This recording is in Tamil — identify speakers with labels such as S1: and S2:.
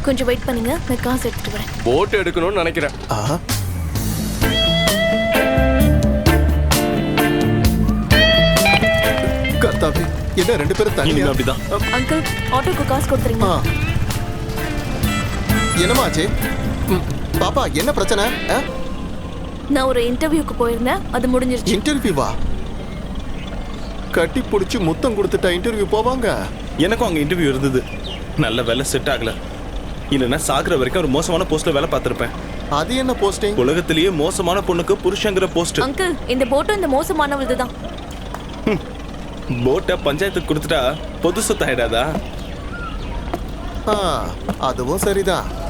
S1: கொஞ்சம் வெயிட் பண்ணுங்க, நான் காசு எடுத்துட்டு வரேன்.
S2: போட் எடுக்கணும்னு நினைக்கிறேன்.
S3: கர்த்தாவே, என்ன 2 பேரும் தனியா?
S4: அப்படிதான்.
S1: அங்கிள், ஆட்டோக்கு காசு கொடுத்துறீங்க.
S3: என்னமா ஆச்சு? பாப்பா, என்ன பிரச்சனை?
S1: நான் ஒரு இன்டர்வியூக்கு போயிருந்தேன், அது முடிஞ்சிருச்சு.
S3: இன்டர்வியூவா? கட்டி பிடிச்சி முத்தம் கொடுத்துட்டா இன்டர்வியூ போவாங்க?
S4: எனக்கும் அங்க இன்டர்வியூ இருந்தது. நல்ல வேலை செட் ஆகல. இல்லைன்னா சாகுற வரைக்கும் ஒரு மோசமான போஸ்ட்ல வேலை பார்த்திருப்பேன்.
S3: அது என்ன போஸ்டிங்?
S4: உலகத்திலேயே மோசமான பொண்ணுக்கு புருஷங்கிற போஸ்ட்.
S1: அங்கிள், இந்த போட்டும் இந்த மோசமானவளது தான்.
S4: போட்டை பஞ்சாயத்துக்கு கொடுத்துட்டா பொது சொத்து ஆயிடாதா?
S3: அதுவும் சரிதான்.